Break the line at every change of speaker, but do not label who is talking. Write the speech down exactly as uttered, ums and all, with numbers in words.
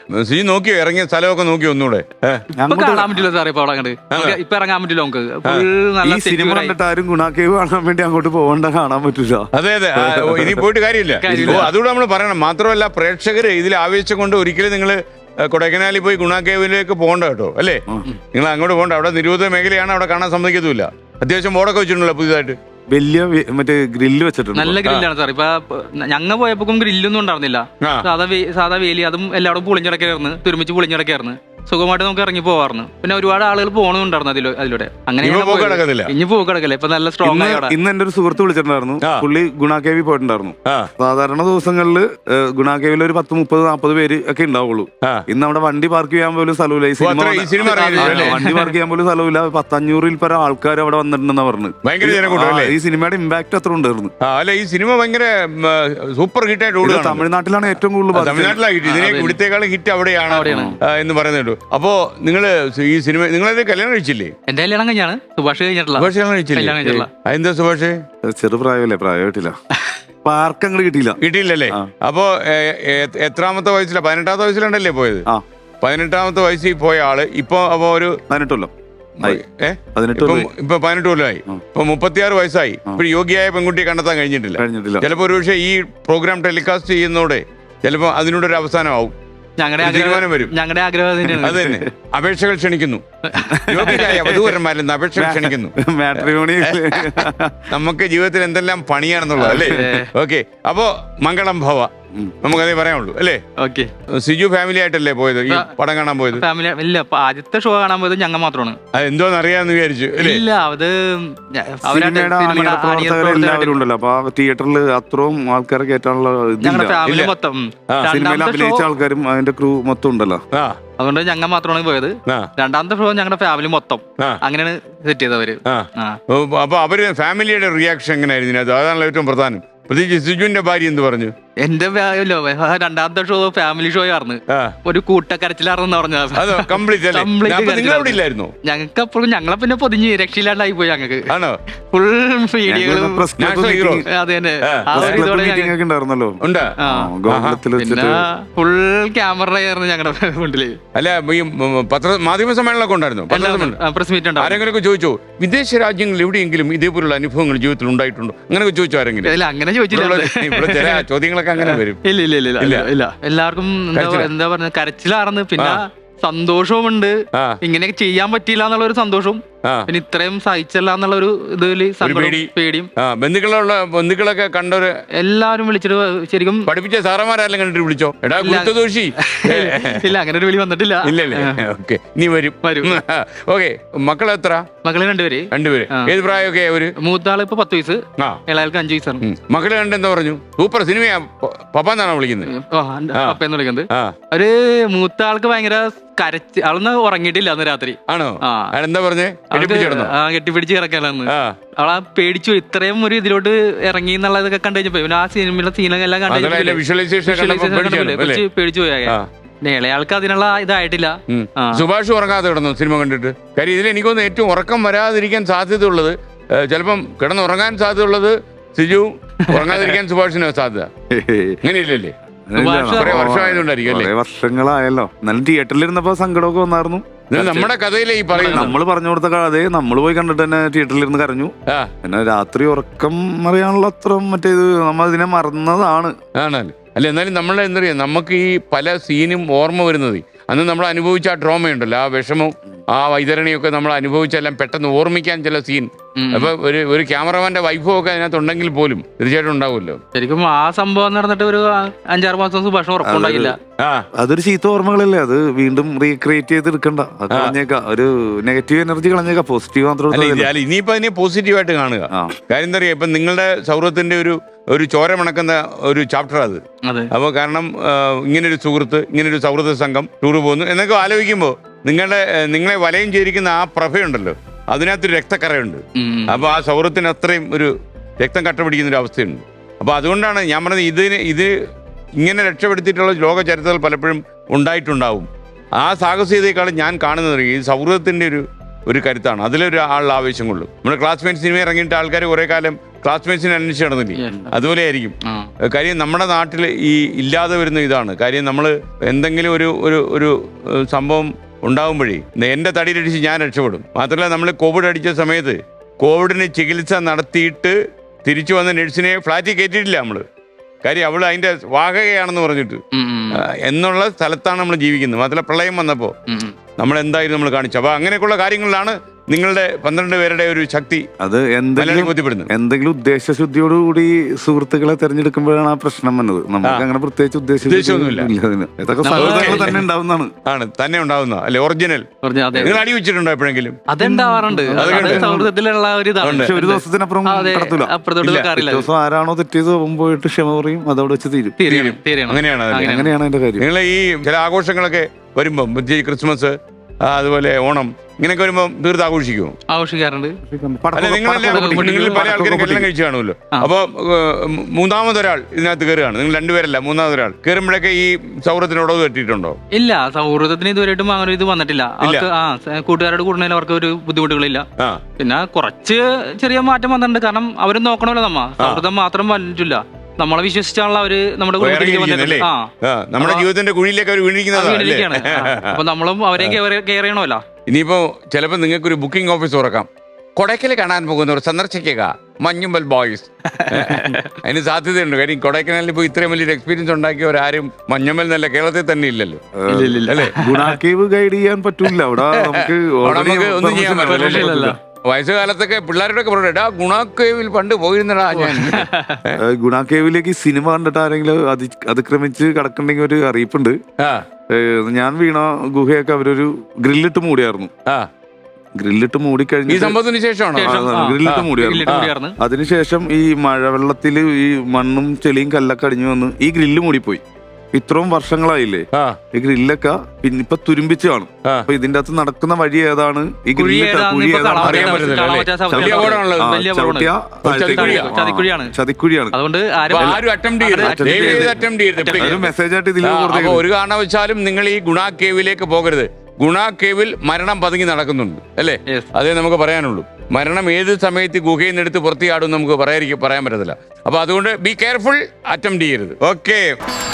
സിജു നോക്കിയോ ഇറങ്ങിയ സ്ഥലമൊക്കെ നോക്കിയോ ഒന്നുകൂടെ?
കാണാൻ പറ്റില്ല സാറേ ഇപ്പൊ അവിടെ അങ്ങോട്ട് ഇപ്പൊ ഇറങ്ങാൻ പറ്റില്ല നമുക്ക്.
ഈ സിനിമ കണ്ടിട്ട് ആരും ഗുണ കേവ് കാണാൻ വേണ്ടി അങ്ങോട്ട് പോകണ്ട, കാണാൻ പറ്റില്ല.
അതെ അതെ, ഇനി പോയിട്ട് കാര്യമില്ല. അതുകൂടെ നമ്മൾ പറയണം. മാത്രമല്ല പ്രേക്ഷകര് ഇതിൽ ആവേശം കൊണ്ട് ഒരിക്കലും നിങ്ങൾ കൊടൈക്കനാലിൽ പോയി ഗുണ കേവിലേക്ക് പോകണ്ട കേട്ടോ, അല്ലേ? നിങ്ങൾ അങ്ങോട്ട് പോകണ്ട. അവിടെ നിരോധിത മേഖലയാണ്, അവിടെ കാണാൻ സമ്മതിക്കത്തുമില്ല. അത്യാവശ്യം ബോർഡൊക്കെ വെച്ചിട്ടുണ്ടല്ലോ പുതിയതായിട്ട്.
വലിയ മറ്റേ ഗ്രില്ല് വെച്ചിട്ടുണ്ട്,
നല്ല ഗ്രില്ലാണ് സാർ. ഇപ്പൊ ഞങ്ങൾ പോയപ്പോ ഗ്രില്ലൊന്നും ഉണ്ടായിരുന്നില്ല. സാധാ സാധാ വേലി, അതും എല്ലാവരും പൊളിഞ്ഞിടക്കായിരുന്നു, തുരുമിച്ച് പൊളിഞ്ഞിടക്കായിരുന്നു. സുഖമായിട്ട് നമുക്ക് ഇറങ്ങി പോവാറുണ്ട്. പിന്നെ ഒരുപാട് ആളുകൾ പോകണമുണ്ടായിരുന്നു അതിലോ അതിലൂടെ. അങ്ങനെ ഇനി പോക്ക് കിടക്കല്ലേ, ഇപ്പൊ നല്ല സ്ട്രോങ് ആയി.
ഇന്ന് എന്റെ ഒരു സുഹൃത്ത് വിളിച്ചിട്ടുണ്ടായിരുന്നു, പുള്ളി ഗുണ കേവി പോയിട്ടുണ്ടായിരുന്നു. സാധാരണ ദിവസങ്ങളിൽ ഗുണ കേവിൽ ഒരു പത്ത് മുപ്പത് നാപ്പത് പേര് ഒക്കെ ഉണ്ടാവുള്ളൂ. ഇന്ന് അവിടെ വണ്ടി പാർക്ക് ചെയ്യാൻ പോലും സ്ഥലമില്ല. ഈ സിനിമ വണ്ടി പാർക്ക് ചെയ്യാൻ പോലും സ്ഥലമില്ല. പത്തഞ്ഞൂറിൽ പല ആൾക്കാർ അവിടെ വന്നിട്ടുണ്ടെന്നാ പറഞ്ഞു. ഈ സിനിമയുടെ ഇമ്പാക്ട് അത്ര ഉണ്ടായിരുന്നു.
അല്ല, ഈ സിനിമ ഭയങ്കര സൂപ്പർ ഹിറ്റ് ആയിട്ട്
തമിഴ്നാട്ടിലാണ് ഏറ്റവും കൂടുതൽ.
തമിഴ്നാട്ടിലാണ് ഹിറ്റ്. ഇതിനെ ഇവിടത്തേക്കാളും ഹിറ്റ് അവിടെയാണ് എന്ന് പറയുന്നുണ്ട്. അപ്പോ നിങ്ങള് ഈ സിനിമ നിങ്ങളത് കല്യാണം കഴിച്ചില്ലേ?
എന്റെ കല്യാണം കഴിഞ്ഞാണ്. സുഭാഷ് കഴിഞ്ഞിട്ടില്ല.
സുഭാഷ് കല്യാണം കഴിച്ചില്ല. എന്താ സുഭാഷ്?
ചെറുപ്രായമല്ലേ, പ്രായമായിട്ടില്ല. പാർക്ക് അങ്ങോട്ട് കിട്ടിയില്ല.
കിട്ടിയില്ലല്ലേ? അപ്പോ എത്രാമത്തെ വയസ്സിലാണ്? പതിനെട്ടാമത്തെ വയസ്സിലുണ്ടല്ലേ പോയത്? പതിനെട്ടാമത്തെ വയസ്സിൽ പോയ ആള് ഇപ്പൊ അപ്പൊ ഒരു
പതിനെട്ടല്ലോ
ഇപ്പൊ പതിനെട്ട് കൊല്ലമായി. ഇപ്പൊ മുപ്പത്തിയാറ് വയസ്സായി. ഇപ്പൊ യോഗ്യയായ പെൺകുട്ടിയെ കണ്ടെത്താൻ കഴിഞ്ഞിട്ടില്ല. ചിലപ്പോ ഒരു പക്ഷേ ഈ പ്രോഗ്രാം ടെലികാസ്റ്റ് ചെയ്യുന്നതോടെ ചിലപ്പോ അതിനോടൊരു അവസാനമാവും.
ഞങ്ങളുടെ ആഗ്രഹം
അത് തന്നെ. അപേക്ഷകൾ ക്ഷണിക്കുന്നു. യോഗ്യരായ വധൂവരന്മാരിൽ അപേക്ഷകൾ ക്ഷണിക്കുന്നു. നമുക്ക് ജീവിതത്തിൽ എന്തെല്ലാം പണിയാണെന്നുള്ളത് അല്ലേ? ഓക്കെ, അപ്പോ മംഗളം ഭവ നമുക്കതേ പറയാനുള്ളൂ അല്ലേ?
ഓക്കെ.
സിജു ഫാമിലി ആയിട്ടല്ലേ പോയത് ഈ പടം കാണാൻ പോയത്?
ഫാമിലി ഇല്ല, ആദ്യത്തെ ഷോ കാണാൻ പോയത് ഞങ്ങൾ മാത്രമാണ്.
അത് എന്തോന്ന് അറിയാന്ന് വിചാരിച്ചു.
ഇല്ല, അത്
എല്ലാവരും ഉണ്ടല്ലോ. അപ്പൊ തിയേറ്ററിൽ അത്രയും ആൾക്കാരെ കയറ്റാനുള്ള
ഫാമിലി മൊത്തം
സിനിമയിൽ അഭിനയിച്ച ആൾക്കാരും അതിന്റെ ക്രൂ മൊത്തം ഉണ്ടല്ലോ.
അതുകൊണ്ട് ഞങ്ങൾ മാത്രമാണ് പോയത്. രണ്ടാമത്തെ ഷോ ഞങ്ങളുടെ ഫാമിലി മൊത്തം അങ്ങനെയാണ് സെറ്റ് ചെയ്തവര്.
അപ്പൊ അവര് ഫാമിലിയുടെ റിയാക്ഷൻ എങ്ങനെയായിരുന്നു? അതാണല്ലോ ഏറ്റവും പ്രധാനം. പ്രത്യേകിച്ച് സിജുവിന്റെ ഭാര്യ എന്ത് പറഞ്ഞു?
എന്റെ രണ്ടാമത്തെ ഷോ ഫാമിലി ഷോ ആയിരുന്നു. ഒരു കൂട്ടക്കരച്ചിലാർന്ന് പറഞ്ഞത്. ഞങ്ങൾക്ക് അപ്പോഴും ഞങ്ങളെ പിന്നെ പൊതിഞ്ഞ് രക്ഷയില്ലാണ്ടായി പോയി. ഞങ്ങൾക്ക് ഫുൾ വീഡിയോകളും അത് തന്നെ. പിന്നെ ഫുൾ ക്യാമറ ആയിരുന്നു ഞങ്ങളുടെ മുന്നില്.
അല്ല, ഈ പത്ര മാധ്യമ സമ്മേളനമൊക്കെ ഉണ്ടായിരുന്നു,
പ്രസ് മീറ്റ് ഉണ്ട്.
ആരെങ്കിലും ചോദിച്ചോ വിദേശ രാജ്യങ്ങളിൽ എവിടെയെങ്കിലും ഇതേപോലുള്ള അനുഭവങ്ങൾ ജീവിതത്തിൽ ഉണ്ടായിട്ടുണ്ടോ? അങ്ങനെ ചോദിച്ചോ ആരെങ്കിലും?
ഇല്ല, അങ്ങനെ ചോദിച്ചില്ല.
ചില ചോദ്യങ്ങളൊക്കെ അങ്ങനെ വരും.
ഇല്ല ഇല്ല ഇല്ല ഇല്ല എല്ലാവർക്കും എന്താ എന്താ പറഞ്ഞ കരച്ചിലാർന്ന്. പിന്നെ സന്തോഷവുമുണ്ട്, ഇങ്ങനെയൊക്കെ ചെയ്യാൻ പറ്റിയില്ല എന്നുള്ള ഒരു സന്തോഷവും, പിന്നെ ഇത്രയും സഹിച്ചല്ല എന്നുള്ള ഒരു ഇതില് പേടിയും.
ബന്ധുക്കളുള്ള ബന്ധുക്കളൊക്കെ കണ്ടൊരു എല്ലാവരും
വിളിച്ചിട്ട് ശരിക്കും
പഠിപ്പിച്ച സാറന്മാരെല്ലാം കണ്ടിട്ട് വിളിച്ചോ? എടാ ദോഷി
ഇല്ല, അങ്ങനെ ഒരു വിളി വന്നിട്ടില്ല.
ഇല്ലല്ലേ? ഓക്കെ, ഇനി വരും വരും ഓക്കെ. മക്കൾ എത്ര?
മക്കള് രണ്ടുപേര്.
രണ്ടുപേര് ഏത് പ്രായമൊക്കെ? ഒരു
മൂത്താള് ഇപ്പൊ പത്ത് വയസ്സ്, ഇളയാൾക്ക് അഞ്ചു വയസ്സാണ്.
മക്കള് കണ്ട് എന്താ പറഞ്ഞു? സൂപ്പർ സിനിമയാ പപ്പാന്നാണോ വിളിക്കുന്നത്?
പപ്പയെന്ന് വിളിക്കുന്നത്. ഒരു മൂത്ത ആൾക്ക് ഭയങ്കര കരച്ച്, ആളൊന്ന് ഉറങ്ങിയിട്ടില്ല അന്ന് രാത്രി.
ആണോ? എന്താ പറഞ്ഞേ?
കെട്ടിപ്പിടിച്ച് കിടക്കാനാന്ന്. അവളാ പേടിച്ചു, ഇത്രയും ഒരു ഇതിലോട്ട് ഇറങ്ങി എന്നുള്ളതൊക്കെ കണ്ടു കഴിഞ്ഞപ്പോ. പിന്നെ ആ സിനിമയിലെ സീനൊക്കെ എല്ലാം കണ്ടു പേടിച്ചു പോയ. ഇളയാൾക്ക് അതിനുള്ള ഇതായിട്ടില്ല.
സുഭാഷ് ഉറങ്ങാതെ കിടന്നു സിനിമ കണ്ടിട്ട്. കാര്യം ഇതിൽ എനിക്കൊന്ന് ഏറ്റവും ഉറക്കം വരാതിരിക്കാൻ സാധ്യതയുള്ളത്, ചിലപ്പം കിടന്നുറങ്ങാൻ സാധ്യതയുള്ളത് സിജു, ഉറങ്ങാതിരിക്കാൻ സുഭാഷിന് സാധ്യത. അങ്ങനെയില്ലല്ലേ?
വർഷങ്ങളായല്ലോ. എന്നാലും തിയേറ്ററിൽ ഇരുന്നപ്പോ സങ്കടമൊക്കെ വന്നായിരുന്നു.
നമ്മുടെ കഥയിലെ ഈ പറയുന്നത്
നമ്മൾ പറഞ്ഞു കൊടുത്ത കഥയെ നമ്മൾ പോയി കണ്ടിട്ട് തന്നെ തിയേറ്ററിൽ ഇരുന്ന് കരഞ്ഞു. പിന്നെ രാത്രി ഉറക്കം അറിയാനുള്ള അത്ര മറ്റേത് നമ്മൾ ഇതിനെ മറന്നതാണ്.
ആണല്ലേ? അല്ല, എന്നാലും നമ്മൾ എന്താ പറയാ, നമുക്ക് ഈ പല സീനും ഓർമ്മ വരുന്നത് അന്ന് നമ്മൾ അനുഭവിച്ച ആ ട്രോമയുണ്ടല്ലോ, ആ വിഷമവും ആ വൈതരണിയൊക്കെ നമ്മൾ അനുഭവിച്ചെല്ലാം പെട്ടെന്ന് ഓർമ്മിക്കാൻ ചില സീൻ. അപ്പൊ ഒരു ഒരു ക്യാമറമാന്റെ വൈഫും ഒക്കെ അതിനകത്തുണ്ടെങ്കിൽ പോലും തീർച്ചയായിട്ടും ഉണ്ടാവുമല്ലോ.
ശരിക്കും ആ സംഭവം നടന്നിട്ട് ഒരു അഞ്ചാറ് മാസം സുഭാഷ് ഉറപ്പുണ്ടായില്ല.
അതൊരു ചീത്ത ഓർമ്മകളല്ലേ, അത് വീണ്ടും റീക്രിയേറ്റ് ചെയ്ത് എടുക്കണ്ട. അത് കളഞ്ഞേക്കാം, ഒരു നെഗറ്റീവ് എനർജി കളഞ്ഞേക്കാം, പോസിറ്റീവ് മാത്രം.
ഇനിയിപ്പോ അതിനെ പോസിറ്റീവായിട്ട് കാണുക. കാര്യം എന്താ പറയാ, ഇപ്പൊ നിങ്ങളുടെ സൗഹൃദത്തിന്റെ ഒരു ഒരു ചോര മണക്കുന്ന ഒരു ചാപ്റ്റർ അത്. അപ്പോൾ കാരണം ഇങ്ങനൊരു സുഹൃത്ത്, ഇങ്ങനൊരു സൗഹൃദ സംഘം ടൂർ പോകുന്നു എന്നൊക്കെ ആലോചിക്കുമ്പോൾ നിങ്ങളുടെ നിങ്ങളെ വലയം ചേരിക്കുന്ന ആ പ്രഭയുണ്ടല്ലോ, അതിനകത്തൊരു രക്തക്കറയുണ്ട്. അപ്പോൾ ആ സൗഹൃദത്തിന് അത്രയും ഒരു രക്തം കട്ട പിടിക്കുന്ന ഒരു അവസ്ഥയുണ്ട്. അപ്പോൾ അതുകൊണ്ടാണ് ഞാൻ പറഞ്ഞത്, ഇതിന് ഇത് ഇങ്ങനെ രക്ഷപ്പെടുത്തിയിട്ടുള്ള ലോക ചരിത്രത്തിൽ പലപ്പോഴും ഉണ്ടായിട്ടുണ്ടാവും. ആ സാഹസികതയെക്കാളും ഞാൻ കാണുന്നത് ഈ സൗഹൃദത്തിൻ്റെ ഒരു ഒരു കരുത്താണ്. അതിലൊരു ആളുടെ ആവേശം കൊള്ളും. നമ്മുടെ ക്ലാസ്മേറ്റ് സിനിമ ഇറങ്ങിയിട്ട് ആൾക്കാർ കുറേ കാലം ക്ലാസ്മേറ്റ്സിനെ അന്വേഷിച്ച് നടന്നില്ലേ, അതുപോലെ ആയിരിക്കും. കാര്യം നമ്മുടെ നാട്ടിൽ ഈ ഇല്ലാതെ വരുന്ന ഇതാണ് കാര്യം. നമ്മൾ എന്തെങ്കിലും ഒരു ഒരു ഒരു സംഭവം ഉണ്ടാകുമ്പോഴേ എൻ്റെ തടിയിലടിച്ച് ഞാൻ രക്ഷപ്പെടും. മാത്രമല്ല നമ്മൾ കോവിഡ് അടിച്ച സമയത്ത് കോവിഡിന് ചികിത്സ നടത്തിയിട്ട് തിരിച്ചു വന്ന നഴ്സിനെ ഫ്ലാറ്റിൽ കയറ്റിയിട്ടില്ല നമ്മൾ. കാര്യം അവൾ അതിൻ്റെ വാഹകയാണെന്ന് പറഞ്ഞിട്ട് എന്നുള്ള സ്ഥലത്താണ് നമ്മൾ ജീവിക്കുന്നത്. മാത്രമല്ല പ്രളയം വന്നപ്പോൾ നമ്മൾ എന്തായാലും നമ്മൾ കാണിച്ചു. അപ്പോൾ അങ്ങനെയൊക്കെയുള്ള കാര്യങ്ങളിലാണ് നിങ്ങളുടെ പന്ത്രണ്ട് പേരുടെ ഒരു ശക്തി അത് എന്തെങ്കിലും ബോധ്യപ്പെടുന്നത്.
എന്തെങ്കിലും ഉദ്ദേശശുദ്ധിയോടുകൂടി സുഹൃത്തുക്കളെ തെരഞ്ഞെടുക്കുമ്പോഴാണ് ആ പ്രശ്നം വന്നത്. നമുക്ക് അങ്ങനെ പ്രത്യേകിച്ച് ഉദ്ദേശമൊന്നുമില്ല. ഇതൊക്കെ സൗഹൃദങ്ങൾ തന്നെ ഉണ്ടാവുന്നതാണ്.
ആണ് തന്നെ ഉണ്ടാവുന്ന അല്ലെ ഒറിജിനൽ. നിങ്ങൾ അടി വെച്ചിട്ടുണ്ടോ എപ്പോഴെങ്കിലും?
അതുണ്ടാവാറുണ്ട്. സൗഹൃദത്തിലുള്ള ഒരു
പക്ഷെ ഒരു ദിവസത്തിനപ്പുറം കടത്തൂല. ദിവസം ആരാണോ തെറ്റിയത് പോയിട്ട് ക്ഷമ പറയും, അതവിടെ വെച്ച് തീരും.
അങ്ങനെയാണ്
അങ്ങനെയാണ് അതിന്റെ കാര്യം.
നിങ്ങൾ ഈ ചില ആഘോഷങ്ങളൊക്കെ വരുമ്പം ക്രിസ്മസ് അതുപോലെ ഓണം ഇങ്ങനെയൊക്കെ വരുമ്പോ തീർത്ത് ആഘോഷിക്കുമോ?
ആഘോഷിക്കാറുണ്ട്.
അല്ല നിങ്ങളിൽ പല ആൾക്കാരും കല്യാണം കഴിച്ചു കാണുമല്ലോ. അപ്പൊ മൂന്നാമതൊരാൾ ഇതിനകത്ത് കയറുകയാണ്, നിങ്ങൾ രണ്ടുപേരല്ല മൂന്നാമതൊരാൾ കയറുമ്പോഴൊക്കെ ഈ സൗഹൃദത്തിനോട് തട്ടിയിട്ടുണ്ടോ?
ഇല്ല, സൗഹൃദത്തിന് ഇതുവരെയായിട്ടും അങ്ങനെ ഇത് വന്നിട്ടില്ല. അവർക്ക് ആ കൂട്ടുകാരോട് കൂടുന്നതിൽ അവർക്ക് ഒരു ബുദ്ധിമുട്ടുകളില്ല. പിന്നെ കുറച്ച് ചെറിയ മാറ്റം വന്നിട്ടുണ്ട്. കാരണം അവരും നോക്കണമല്ലോ, നമ്മ സൗഹൃദം മാത്രം പറ്റില്ല. നമ്മളെ വിശ്വസിച്ചാണല്ലോ അവര് നമ്മുടെ
നമ്മുടെ ജീവിതത്തിന്റെ കുഴിയിലേക്ക് അവർ വീണിരിക്കുന്നതാണ്.
അപ്പൊ നമ്മളും അവരെ കെയർ ചെയ്യണമല്ലോ.
ഇനിയിപ്പോ ചിലപ്പോ നിങ്ങൾക്കൊരു ബുക്കിംഗ് ഓഫീസ് തുറക്കാം. കൊടൈക്കനാൽ കാണാൻ പോകുന്നവർ സന്ദർശിക്കുക മഞ്ഞുമ്പൽ ബോയ്സ്. അതിന് സാധ്യതയുണ്ട്. കാര്യം കൊടൈക്കനാലിൽ ഇപ്പൊ ഇത്രയും വലിയൊരു എക്സ്പീരിയൻസ് ഉണ്ടാക്കിയവരാരും മഞ്ഞുമ്പൽ എന്നല്ല കേരളത്തിൽ തന്നെ ഇല്ലല്ലോ.
അല്ലേ, ഗുണാക്കേവ് ഗൈഡ് ചെയ്യാൻ പറ്റൂല. അവിടെ നമുക്ക്
ഒന്നും ചെയ്യാൻ പറ്റില്ല. വയസ്സുകാലത്തൊക്കെ പിള്ളേരോടൊക്കെ പറഞ്ഞാ ഗുണാക്കേവിൽ പണ്ട് പോയിരുന്നടാ ഞാൻ.
ഗുണാക്കേവിലേക്ക് സിനിമ കണ്ടിട്ട് ആരെങ്കിലും അതി അതിക്രമിച്ച് കിടക്കണ്ടെങ്കിൽ ഒരു അറിയിപ്പുണ്ട്. ഞാൻ വീണ ഗുഹയൊക്കെ അവരൊരു ഗ്രില്ലിട്ട് മൂടിയായിരുന്നു. ഗ്രില്ലിട്ട് മൂടിക്കഴിഞ്ഞ
സംഭവത്തിന് ശേഷമാണ്
ഗ്രില്ലിട്ട് മൂടിയായിരുന്നു. അതിനുശേഷം ഈ മഴവെള്ളത്തില് ഈ മണ്ണും ചെളിയും കല്ലൊക്കെ അടിഞ്ഞു വന്ന് ഈ ഗ്രില്ല് മൂടിപ്പോയി. ഇത്രയും വർഷങ്ങളായില്ലേ ഈ ഗ്രില്ലൊക്കെ പിന്നെ ഇപ്പൊ തുരുമ്പിച്ച് കാണും. അപ്പൊ ഇതിന്റെ അകത്ത് നടക്കുന്ന വഴി ഏതാണ്, ഈ ഗ്രില്ല് ചതിക്കുഴിയാണ്. മെസ്സേജ് ആയിട്ട് ഇതിൽ
ഒരു കാരണവശാലും നിങ്ങൾ ഈ ഗുണ കേവിലേക്ക് പോകരുത്. ഗുണ കേവിൽ മരണം പതുങ്ങി നടക്കുന്നുണ്ട് അല്ലേ, അതേ നമുക്ക് പറയാനുള്ളൂ. മരണം ഏത് സമയത്ത് ഗുഹയിൽ നിന്ന് എടുത്ത് പുറത്തിയാടും നമുക്ക് പറയാൻ പറയാൻ പറ്റത്തില്ല. അപ്പൊ അതുകൊണ്ട് ബി കെയർഫുൾ, അറ്റംപ്റ്റ് ചെയ്യരുത്. ഓക്കെ.